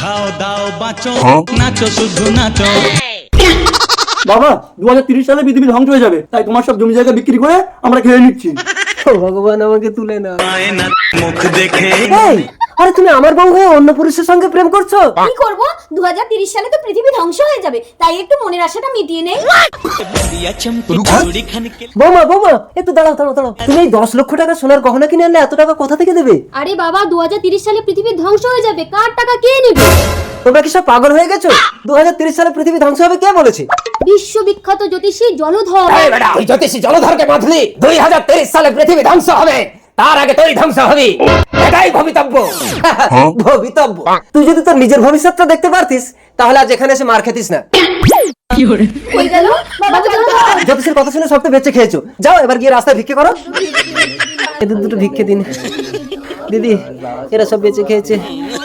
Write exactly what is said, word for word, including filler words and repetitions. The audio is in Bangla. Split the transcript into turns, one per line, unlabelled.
খাও দাও বাঁচো নাচো শুধু নাচো।
বাবা দু হাজার তিরিশ সালে পৃথিবী ধ্বংস হয়ে যাবে, তাই তোমার সব জমি জায়গা বিক্রি করে আমরা খেয়ে নিচ্ছি।
ভগবান আমাকে তুলে না।
মুখ দেখে
এই, আরে তুমি আমার বউ হয়ে অন্য পুরুষের সঙ্গে প্রেম করছো?
কি করব, দু হাজার তিরিশ সালে তো পৃথিবী ধ্বংস হয়ে যাবে, তাই একটু মনের আশাটা মিটিয়ে নেই।
বৌমা বৌমা একটু দাঁড়াও দাঁড়াও দাঁড়াও, তুমি এই দশ লক্ষ টাকা সোনার গহনা কিনে আনলে এত টাকা কোথা থেকে দেবে?
আরে বাবা, দু হাজার তিরিশ সালে পৃথিবী ধ্বংস হয়ে যাবে, কার টাকা কে নেবে?
তোমরা কি সব পাগল হয়ে গেছো? দু হাজার তিরিশ সালে পৃথিবী ধ্বংস হবে কে বলেছে?
বিশ্ববিখ্যাত জ্যোতিষী জলধর।
তুই জ্যোতিষী জলধরকে বাঁধলি দুই হাজার তিরিশ সালে পৃথিবী ধ্বংস হবে, তার আগে তুই ধ্বংস হবি, এটাই ভবিতব্য। ভবিতব্য? তুই যদি তোর নিজের ভবিষ্যৎটা দেখতে পারতিস তাহলে আজ এখানে এসে মার খেতিস না।
কই গেল বাবা জলধর?
জ্যোতিষের কথা শুনে সব তো বেঁচে খেয়েছো, যাও এবার গিয়ে রাস্তায় ভিক্ষে করো। এদের দুটো ভিক্ষে দিন দিদি, এরা সব বেঁচে খেয়েছে।